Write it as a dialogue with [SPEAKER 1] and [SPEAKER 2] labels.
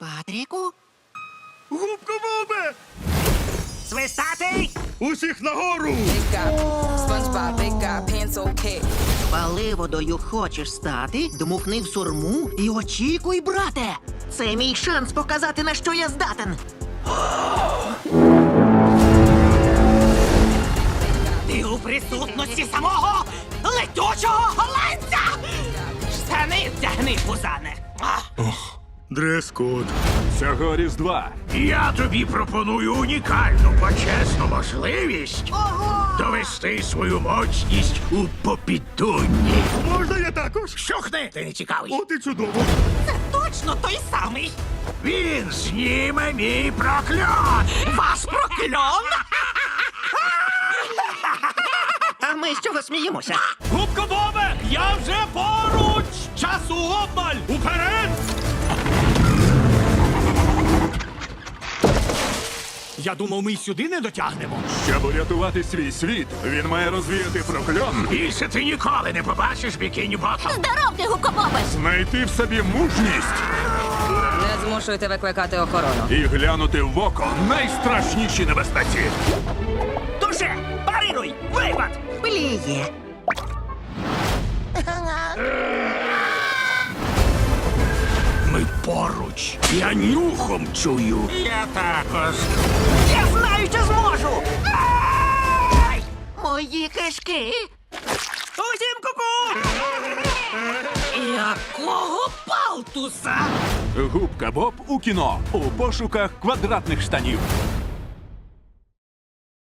[SPEAKER 1] Патріку?
[SPEAKER 2] Губка Бобе!
[SPEAKER 1] Свистатий!
[SPEAKER 2] Усіх нагору!
[SPEAKER 3] Big guy, SpongeBob, big guy, pencil cat.
[SPEAKER 1] Паливодою хочеш стати? Дмухни в сурму і очікуй, брате! Це мій шанс показати, на що я здатен. Ти у присутності самого летючого голландця! Штани вдягни, пузане!
[SPEAKER 2] Дрес-код.
[SPEAKER 4] Цього Різдва
[SPEAKER 5] Я тобі пропоную унікальну почесну можливість
[SPEAKER 1] Ого!
[SPEAKER 5] довести свою моцність у попідунні.
[SPEAKER 2] Можна я також?
[SPEAKER 5] Щухни, ти не цікавий.
[SPEAKER 2] От і чудово.
[SPEAKER 1] Це точно той самий!
[SPEAKER 5] Він зніме мій прокльон.
[SPEAKER 1] Вас прокльон! А ми з чого сміємося?
[SPEAKER 2] Губка Бобе! Я вже поруч! Часу обмаль! Уперед! Я думав, ми й сюди не дотягнемо.
[SPEAKER 4] щоб урятувати свій світ, він має розвіяти прокльон,
[SPEAKER 5] Більше ти ніколи не побачиш бікіні ботом.
[SPEAKER 6] Здоровки, гукобоби!
[SPEAKER 4] знайти в собі мужність
[SPEAKER 3] Не змушуйте викликати охорону.
[SPEAKER 4] і глянути в око найстрашніші небезпеці.
[SPEAKER 1] Дуже! Парируй! Випад! Пліє!
[SPEAKER 5] Ми поруч. Я нюхом чую. Я також.
[SPEAKER 1] Я знаю, що зможу! Ай! Мої кишки! Усім ку-ку! Якого палтуса?
[SPEAKER 4] Губка Боб у кіно у пошуках квадратних штанів.